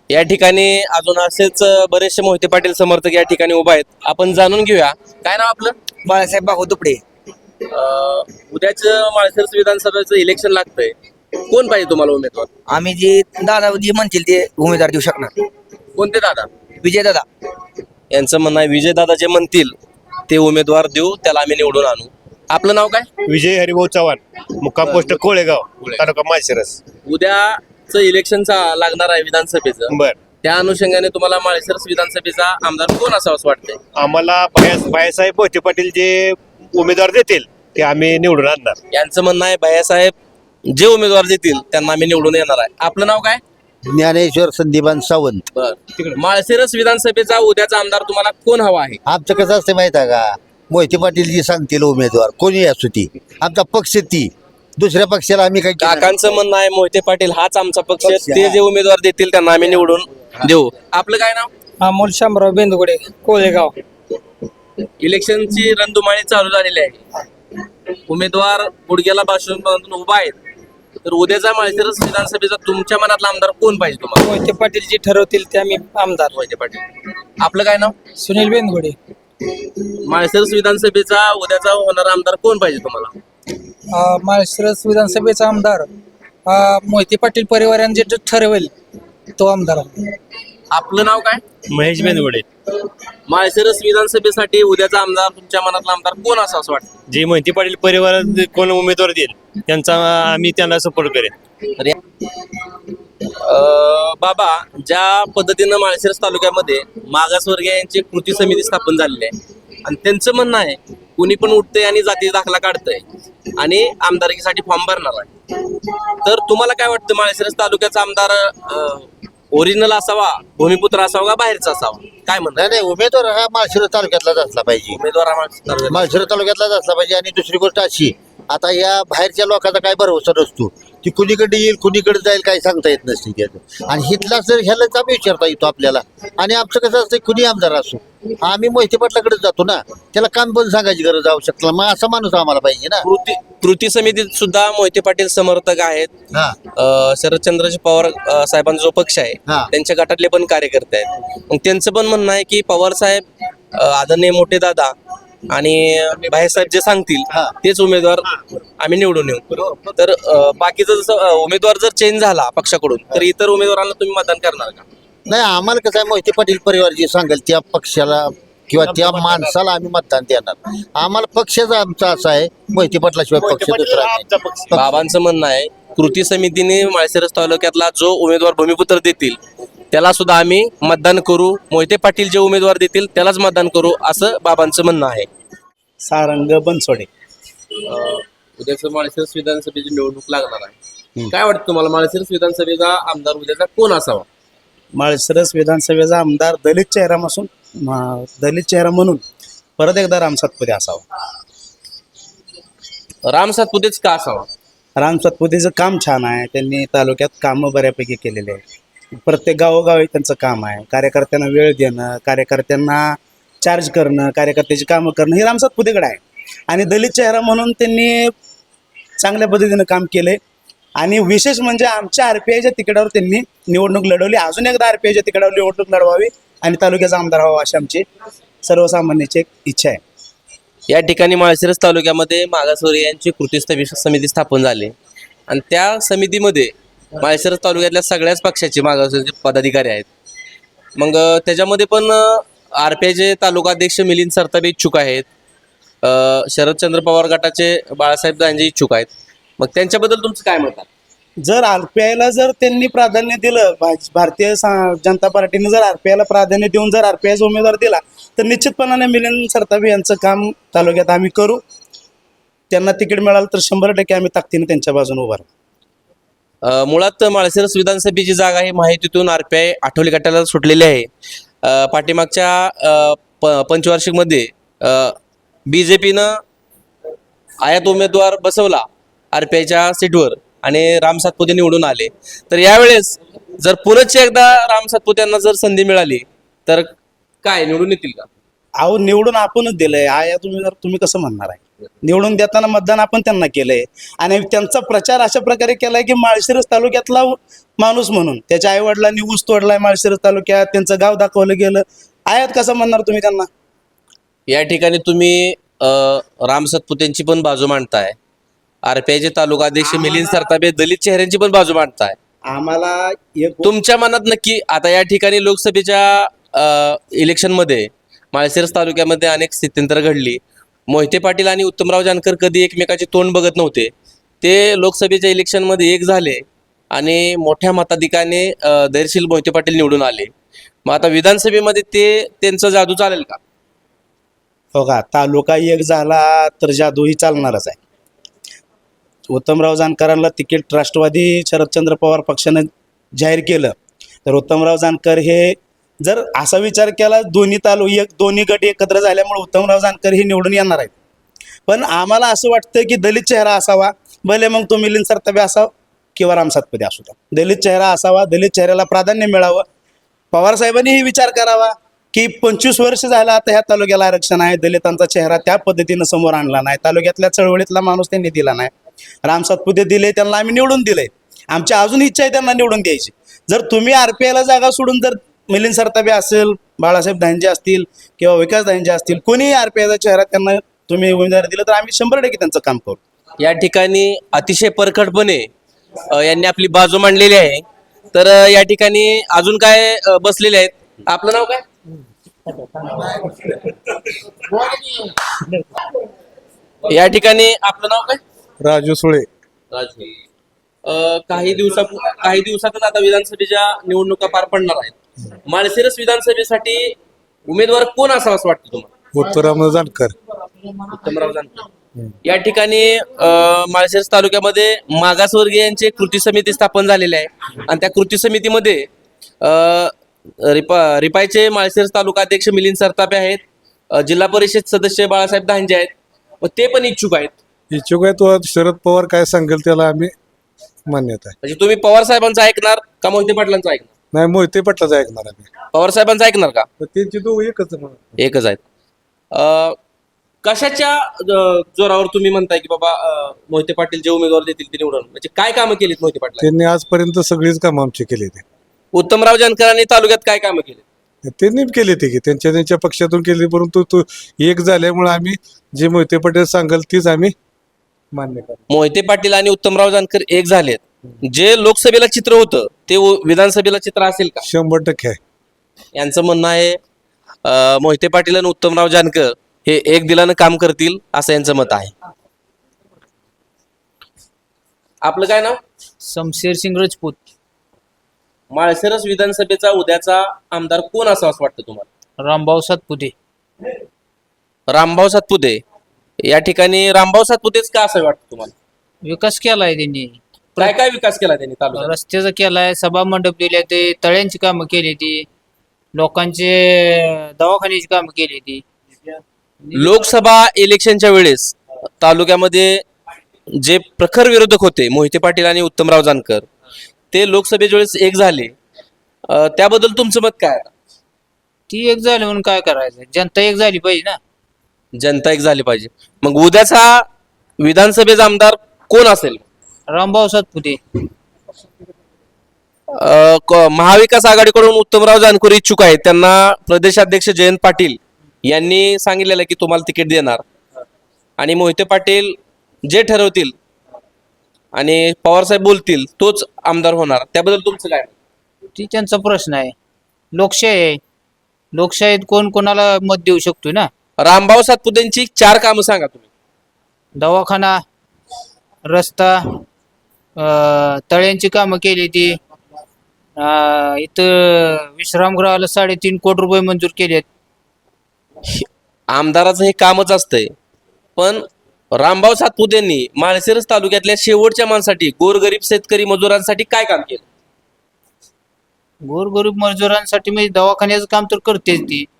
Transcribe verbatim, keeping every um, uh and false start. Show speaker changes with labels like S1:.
S1: या ठिकाणी अजून असेच बरेचसे मोहिते पाटील समर्थक या ठिकाणी उभा आहेत. आपण जाणून घेऊया काय नाव आपलं.
S2: बाळासाहेब बागो दुपडे.
S1: उद्याच माळशिरस विधानसभेचं इलेक्शन लागतंय, कोण पाहिजे तुम्हाला उमेदवार?
S2: आम्ही जे दादा जे म्हणतील ते उमेदवार देऊ शकणार.
S1: कोणते दादा?
S2: विजय दादा.
S1: यांचं म्हणणं आहे विजय दादा जे म्हणतील ते उमेदवार देऊ, त्याला आम्ही निवडून आणू. आपलं नाव काय?
S3: विजय हरिभाऊ चव्हाण, मुक्काम पोस्ट कोळेगाव, तालुका माळशिरस.
S1: उद्याच इलेक्शनचा लागणार आहे विधानसभेचं,
S3: बर.
S1: त्या अनुषंगाने तुम्हाला माळशिरस विधानसभेचा आमदार कोण असावं असं वाटतंय?
S3: आम्हाला भैया- भैयासाहेब मोहिते पाटील जे उमेदवार देतील ते आम्ही निवडून आणणार.
S1: यांचं म्हणणं आहे भैयासाहेब जे उमेदवार देतील त्यांना आम्ही निवडून येणार आहे. आपलं नाव काय?
S4: ज्ञानेश्वर संदीपान सावंत.
S1: बर. माळशिरस विधानसभेचा उद्याचा आमदार तुम्हाला कोण हवा आहे?
S4: आमचं कसं असतं माहित आहे का, मोहिते पाटील जी सांगतील उमेदवार कोणी असू ती, आमचा पक्ष ती, दुसऱ्या पक्षाला आम्ही काही केलं नाही.
S1: काकांचं म्हणणं आहे मोहिते पाटील हाच आमचा पक्ष,
S4: पक्ष,
S1: ते
S4: हा.
S1: जे उमेदवार देतील त्यांना आम्ही निवडून देऊ. आपलं काय नाव?
S2: अमोल शामराव बेंदुगडे, कोळेगाव.
S1: इलेक्शनची रणधुमाळी चालू झालेली आहे. उमेदवार गुडघ्याला बासून बांधून उभा आहेत. तर उद्याचा माळशिरस विधानसभेचा तुमच्या मनातला आमदार कोण पाहिजे तुम्हाला?
S2: मोहिते पाटील जे ठरवतील ते आम्ही आमदार.
S1: मोहिते पाटील. आपलं काय नाव?
S2: सुनील बेंदुगडे.
S1: माळशिरस विधानसभेचा उद्याचा होणारा आमदार कोण पाहिजे तुम्हाला?
S2: माळशिरस विधानसभेचा आमदार मोहिते पाटील परिवाराने जे ठरवेल तो आमदार.
S1: आपलं नाव काय?
S3: महेश बेंदवडे.
S1: माळशिरस विधानसभेसाठी उद्याचा आमदार तुमच्या मनातला आमदार कोण असा असं वाटतं?
S3: जे मोहिते पाटील परिवारात कोण उमेदवार देईल त्यांचा आम्ही त्यांना सपोर्ट करेन.
S1: तर या- अं, बाबा, ज्या पद्धतीनं माळशिरस तालुक्यामध्ये मागासवर्गीयांची कृती समिती स्थापन झालेली आहे आणि त्यांचं म्हणणं आहे कुणी पण उठतंय आणि जाती दाखला काढतंय आणि आमदारकीसाठी फॉर्म भरणार आहे. तर तुम्हाला काय वाटतं, माळशिरस तालुक्याचा आमदार ओरिजिनल असावा, भूमिपुत्र असावा का बाहेरचा असावा? काय म्हणतात?
S4: नाही नाही, उमेदवार हा माळशिरस तालुक्यातलाच असला पाहिजे.
S1: उमेदवार हा माळशिरस तालुक्यात-
S4: माळशिरस तालुक्यातलाच असला पाहिजे. आणि दुसरी गोष्ट अशी, आता या बाहेरच्या लोकांचा काय भरोसा नसतो, ती कुणीकडे येईल कुणीकडे जाईल काही सांगता येत नसते त्याचं. आणि हितला जर ह्यालाच आम्ही विचारता येतो आपल्याला. आणि आमचं कसं असतं, कुणी आमदार असो आम्ही मोहिते पाटलाकडेच जातो ना, त्याला काम पण सांगायची गरज आवश्यकता. मग असा माणूस आम्हाला पाहिजे ना.
S1: कृती कृती समितीत सुद्धा मोहिते पाटील समर्थक आहेत.
S4: हा
S1: अ, शरदचंद्रजी पवार अ, साहेबांचा जो पक्ष आहे
S4: हा.
S1: त्यांच्या गटातले पण कार्यकर्ते आहेत. मग त्यांचं पण म्हणणं आहे की पवार साहेब, अ, आदरणीय मोठे दादा आणि भाईसाहेब जे सांगतील
S4: हा.
S1: तेच उमेदवार आम्ही निवडून येऊ. तर अ, बाकीचं जसं अ, उमेदवार जर चेंज झाला पक्षाकडून तर इतर उमेदवारांना तुम्ही मतदान करणार का?
S4: नाही, आम्हाला कसं आहे, मोहिते पाटील परिवार जे सांगेल त्या पक्षाला किंवा त्या माणसाला आम्ही मतदान देणार. आम्हाला पक्षच आमचा असा आहे, मोहिते पाटलाशिवाय पक्ष दुसरा नाही.
S3: आमचा पक्ष.
S1: बाबांचं म्हणणं आहे कृती समितीने माळशिरस तालुक्यातला जो उमेदवार भूमिपुत्र देतील त्याला सुद्धा आम्ही मतदान करू, मोहिते पाटील जे उमेदवार देतील त्यालाच मतदान करू, असं बाबांचं म्हणणं आहे.
S5: सारंग बनसोडे.
S1: उद्याचं माळशिरस विधानसभेची निवडणूक लागणार आहे. काय वाटतं तुम्हाला, माळशिरस विधानसभेचा आमदार उद्याचा कोण असावा?
S5: माळशिरस विधानसभेचा आमदार दलित चेहरा असून म- दलित चेहरा म्हणून परत एकदा राम सातपुते असावा.
S1: राम सातपुतेच का असावा?
S5: राम सातपुतेचं काम छान आहे. त्यांनी तालुक्यात कामं बऱ्यापैकी केलेले आहे. प्रत्येक गावोगावी त्यांचं काम आहे. कार्यकर्त्यांना वेळ देणं, कार्यकर्त्यांना चार्ज करणं, कार्यकर्त्याची कामं करणं हे राम सातपुतेकडे आहे. आणि दलित चेहरा म्हणून त्यांनी चांगल्या पद्धतीनं काम केले. आणि विशेष म्हणजे आमच्या आर पी आयच्या तिकिटावर त्यांनी निवडणूक लढवली. अजून एकदा आर पी आयच्या तिकिटावर निवडणूक लढवावी आणि तालुक्याचा आमदार व्हावा अशी आमची सर्वसामान्याची एक इच्छा आहे.
S1: या ठिकाणी माळशिरस तालुक्यामध्ये मागासवर्गीयांची कृती स्थि- समिती स्थापन झाली आणि त्या समितीमध्ये माळशिरस तालुक्यातल्या सगळ्याच पक्षाचे मागासवर्गीय पदाधिकारी आहेत. मग अ, त्याच्यामध्ये पण आर पी आयचे तालुकाध्यक्ष मिलिंद सरताबे इच्छुक आहेत. अ, शरदचंद्र पवार गटाचे बाळासाहेब गांजे इच्छुक आहेत. मग त्यांच्याबद्दल तुमचं काय मत आहे?
S5: जर आर पी आयला जर त्यांनी प्राधान्य दिलं, भा- भारतीय सा- जनता पार्टीने जर आर पी आयला प्राधान्य देऊन जर आर पी आयचा उमेदवार दिला तर निश्चितपणाने मिलिंद सरताबे यांचं काम तालुक्यात आम्ही करू. त्यांना तिकीट मिळालं तर शंभर टक्के आम्ही ताकदीने त्यांच्या बाजूने उभा राहू.
S1: अ, मुळात माळशिरस विधानसभेची जागा ही माहितीतून आर पी आय आठवले गटाला सुटलेली आहे. अ, पाठीमागच्या अ, प पंचवार्षिकमध्ये बी जे पीनं आयात उमेदवार बसवला आर पी आयच्या सीटवर आणि राम सातपुते निवडून आले. तर यावेळेस जर पुनश्च एकदा राम सातपुत्यांना जर संधी मिळाली तर काय निवडून येतील का?
S5: अहो, निवडून आपणच दिलंय. आया तुम्ही जर तुम्ही कसं म्हणणार आहे? निवडून देताना मतदान आपण त्यांना केलंय आणि त्यांचा प्रचार अशा प्रकारे केलाय की माळशिरस तालुक्यातला माणूस म्हणून. त्याच्या आईवडिलांनी ऊस तोडलाय माळशिरस तालुक्यात, त्यांचं गाव दाखवलं गेलं. आयात कसं म्हणणार तुम्ही त्यांना?
S1: या ठिकाणी तुम्ही अ, राम सतपुतेंची पण बाजू मांडताय, आरपीआयचे तालुका अध्यक्ष मिलिंद सरतापे दलित चेहऱ्यांची पण बाजू मांडताय.
S5: आम्हाला एक
S1: तुमच्या मनात नक्की आता या ठिकाणी लोकसभेच्या इलेक्शनमध्ये माळशिरस तालुक्यामध्ये अनेक स्थित्यंतर घडली. मोहिते पाटील आणि उत्तमराव जानकर कधी एकमेकाचे तोंड बघत नव्हते, ते लोकसभेच्या इलेक्शनमध्ये एक झाले आणि मोठ्या मताधिकाने अ, धैर्यशील मोहिते पाटील निवडून आले. मग आता विधानसभेमध्ये ते त्यांचं जादू चालेल का?
S5: हो का, तालुका एक झाला तर जादूही चालणारच आहे. उत्तमराव जानकरांना तिकीट राष्ट्रवादी शरदचंद्र पवार पक्षानं जाहीर केलं तर उत्तमराव जानकर हे, जर असा विचार केला दोन्ही तालु एक दोन्ही गट एकत्र झाल्यामुळे उत्तमराव जानकर हे निवडून येणार आहेत. पण आम्हाला असं वाटतं की दलित चेहरा असावा, भले मग तो मिलिंद सरतापे असावा किंवा राम सातपुते असू द्या, दलित चेहरा असावा, दलित चेहऱ्याला प्राधान्य मिळावं. पवारसाहेबांनीही विचार करावा की पंचवीस वर्ष झालं आता ह्या तालुक्याला आरक्षण आहे, दलितांचा चेहरा त्या पद्धतीनं समोर आणला नाही, तालुक्यातल्या चळवळीतला माणूस त्यांनी दिला नाही. राम सातपुते दिले, त्यांना आम्ही निवडून दिले. आमची अजून इच्छा आहे त्यांना निवडून द्यायची. जर तुम्ही आरपीआयला जागा सोडून जर मिलिंद सरतापे असेल, बाळासाहेब दांजे असतील किंवा विकास दांजे असतील, कोणीही आरपीआयचा चेहरा त्यांना तुम्ही उमेदवारी दिलं तर आम्ही शंभर टक्के त्यांचं काम करू.
S1: या ठिकाणी अतिशय परखडपणे अ, यांनी आपली बाजू मांडलेली आहे. तर अ, या ठिकाणी अजून काय अ, बसलेले आहेत. आपलं नाव काय? या ठिकाणी आपलं नाव काय?
S6: राजू सुळे.
S1: राजू. अ, काही दिवसा काही दिवसातच आता विधानसभेच्या निवडणुका पार पडणार आहेत. माळशिरस विधानसभेसाठी उमेदवार कोण असावा असं वाटतं तुम्हाला?
S6: उत्तराम जानकर.
S1: उत्तमराव जानकर. या ठिकाणी अ, माळशिरस तालुक्यामध्ये मागासवर्गीयांची कृती समिती स्थापन झालेली आहे आणि त्या कृती समितीमध्ये अ, रिपा रिपायचे माळशिरस तालुका अध्यक्ष मिलिंद सरतापे आहेत, अ, जिल्हा परिषद सदस्य बाळासाहेब दांजे आहेत, व ते पण इच्छुक आहेत.
S6: इच्छुक आहे तो शरद पवार काय सांगेल त्याला आम्ही मान्यता आहे.
S1: म्हणजे तुम्ही पवार साहेबांचं ऐकणार का मोहिते पाटलांचं ऐकणार?
S6: नाही, मोहिते पाटलाच ऐकणार आम्ही.
S1: पवार साहेबांचं ऐकणार का?
S6: तर त्यांची तो एकच म्हणा.
S1: एकच आहेत. अ, कशाच्या अ, जोरावर तुम्ही म्हणताय की बाबा अ, मोहिते पाटील जे उमेदवार देतील ते निवडून, म्हणजे काय कामं केलीत मोहिते पाटील?
S6: त्यांनी आजपर्यंत सगळीच कामं आमची केली ते.
S1: उत्तमराव जानकरांनी तालुक्यात काय कामं केली?
S6: त्यांनी केली ते की त्यांच्या त्यांच्या पक्षातून केली, परंतु तो एक झाल्यामुळे आम्ही जे मोहिते पाटील सांगेल तीच आम्ही मान्य करतो.
S1: मोहिते पाटील आणि उत्तमराव जानकर एक झालेत. जे लोकसभेला चित्र होतं ते उ- विधानसभेला चित्र असेल का?
S6: शंभर टक्के आहे.
S1: यांचं म्हणणं आहे अ, मोहिते पाटील आणि उत्तमराव जानकर हे एक दिलानं काम करतील असं यांचं मत आहे. आपलं काय नाव?
S2: शमशेर सिंग राजपूत.
S1: माळशिरस विधानसभेचा उद्याचा आमदार कोण असावा असं वाटतं तुम्हाला?
S2: रामभाऊ सातपुते.
S1: रामभाऊ सातपुते. या ठिकाणी रामभाऊ सातपुतेच का असं वाटतं तुम्हाला?
S2: विकास केलाय त्यांनी,
S1: काय काय विकास केला त्यांनी तालुक्यात?
S2: रस्त्याचा केलाय, सभा मंडप दिले, ते तळ्यांची कामं केली, ती लोकांचे दवाखान्याची कामं केली. ती
S1: लोकसभा इलेक्शनच्या वेळेस तालुक्यामध्ये जे प्रखर विरोधक होते मोहिते पाटील आणि उत्तमराव जानकर, ते लोकसभेच्या वेळेस एक झाले. अ, त्याबद्दल तुमचं मत काय आहे?
S2: ती एक झाली म्हणून काय करायचं, जनता एक झाली पाहिजे ना.
S1: जनता एक झाली पाहिजे. मग उद्याचा विधानसभेचा आमदार कोण असेल?
S2: रामभाऊ सातपुते.
S1: अ, क- महाविकास आघाडीकडून उत्तमराव जानकर इच्छुक आहेत. त्यांना प्रदेशाध्यक्ष जयंत पाटील यांनी सांगितलेलं की तुम्हाला तिकीट देणार, आणि मोहिते पाटील जे ठरवतील आणि पवारसाहेब बोलतील तोच आमदार होणार. त्याबद्दल तुमचं काय?
S2: ती त्यांचा प्रश्न आहे. लोकशाही आहे, लोकशाहीत कोण कोणाला मत देऊ शकतो ना.
S1: रामभाऊ सातपुतेंची चार कामं सांगा तुम्ही.
S2: दवाखाना, रस्ता, अं, तळ्यांची कामं केली. ती अं, इथं विश्रामगृहाला साडेतीन कोटी रुपये मंजूर केलेत.
S1: आमदाराचं हे कामच असतंय, पण रामभाऊ सातपुतेंनी माळशिरस तालुक्यातल्या शेवटच्या माणसाठी, गोरगरीब शेतकरी मजुरांसाठी काय काम केलं?
S2: गोरगरीब मजुरांसाठी म्हणजे दवाखान्याचं काम तर करतेच ती.